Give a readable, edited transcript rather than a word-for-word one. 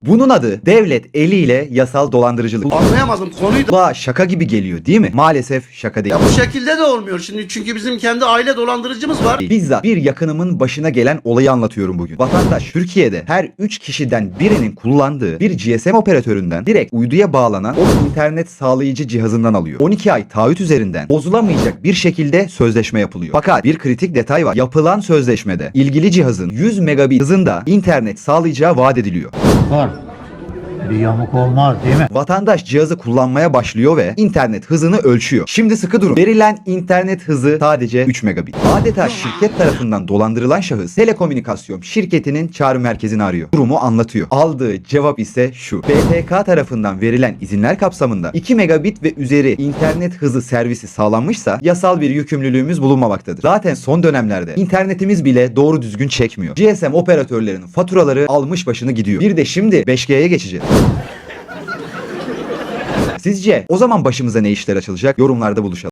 Bunun adı devlet eliyle yasal dolandırıcılık. Anlayamadım konuyu da. Kulağa şaka gibi geliyor değil mi? Maalesef şaka değil. Ya bu şekilde de olmuyor şimdi çünkü bizim kendi aile dolandırıcımız var. Bizzat bir yakınımın başına gelen olayı anlatıyorum bugün. Vatandaş Türkiye'de her 3 kişiden birinin kullandığı bir GSM operatöründen direkt uyduya bağlanan o internet sağlayıcı cihazından alıyor. 12 ay taahhüt üzerinden bozulamayacak bir şekilde sözleşme yapılıyor. Fakat bir kritik detay var. Yapılan sözleşmede ilgili cihazın 100 megabit hızında internet sağlayacağı vaat ediliyor. Var. Bir yamuk olmaz değil mi? Vatandaş cihazı kullanmaya başlıyor ve internet hızını ölçüyor. Şimdi sıkı durun. Verilen internet hızı sadece 3 megabit. Adeta şirket tarafından dolandırılan şahıs telekomünikasyon şirketinin çağrı merkezini arıyor. Durumu anlatıyor. Aldığı cevap ise şu. BTK tarafından verilen izinler kapsamında 2 megabit ve üzeri internet hızı servisi sağlanmışsa yasal bir yükümlülüğümüz bulunmamaktadır. Zaten son dönemlerde internetimiz bile doğru düzgün çekmiyor. GSM operatörlerinin faturaları almış başını gidiyor. Bir de şimdi 5G'ye geçeceğiz. Sizce o zaman başımıza ne işler açılacak? Yorumlarda buluşalım.